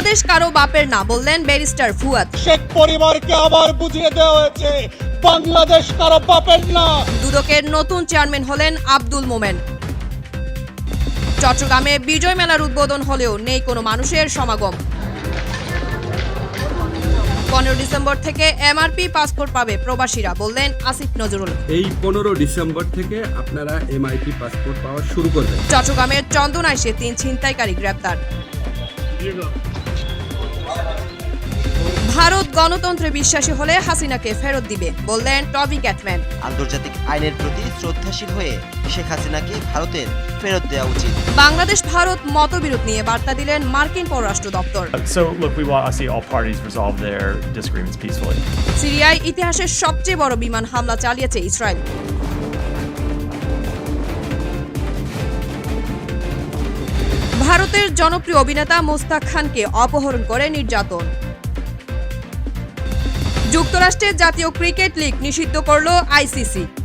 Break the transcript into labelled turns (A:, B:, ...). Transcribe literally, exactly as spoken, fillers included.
A: বাংলাদেশ কারো বাপের না, বললেন ব্যারিস্টার ফুয়াদ।
B: শেখ পরিবারকে আবার বুঝিয়ে দেওয়া হয়েছে বাংলাদেশ কারো বাপের না।
A: দুদকের নতুন চেয়ারম্যান হলেন আব্দুল মোমেন। চট্টগ্রামে বিজয় মেলার উদ্বোধন হলেও নেই কোনো মানুষের সমাগম। পনেরো ডিসেম্বর থেকে এমআরপি পাসপোর্ট পাবে প্রবাসীরা, বললেন আসিফ নজরুল।
C: এই পনেরো ডিসেম্বর থেকে আপনারা এমআইপি পাসপোর্ট পাওয়া শুরু করবেন।
A: চট্টগ্রামের চন্দনাইশে তিন ছিনতাইকারী গ্রেপ্তার। ভারত গণতন্ত্রে বিশ্বাসী হলে হাসিনাকে ফেরত দিবে, বললেন টবি ক্যাটম্যান।
D: আন্তর্জাতিক আইনের প্রতি শ্রদ্ধাশীল হয়ে শেখ হাসিনাকে ভারতের ফেরত দেওয়া উচিত।
A: বাংলাদেশ ভারত মতবিরোধ নিয়ে বার্তা দিলেন মার্কিন পররাষ্ট্র দপ্তর।
E: So, look, we want to see all parties resolve their disagreements peacefully.
A: সিরিয়ায় ইতিহাসের সবচেয়ে বড় বিমান হামলা চালিয়েছে ইসরায়েল। ভারতের জনপ্রিয় অভিনেতা মোস্তাক খানকে অপহরণ করে নির্যাতন। যুক্তরাষ্ট্রের জাতীয় ক্রিকেট লীগ নিষিদ্ধ করল আইসিসি।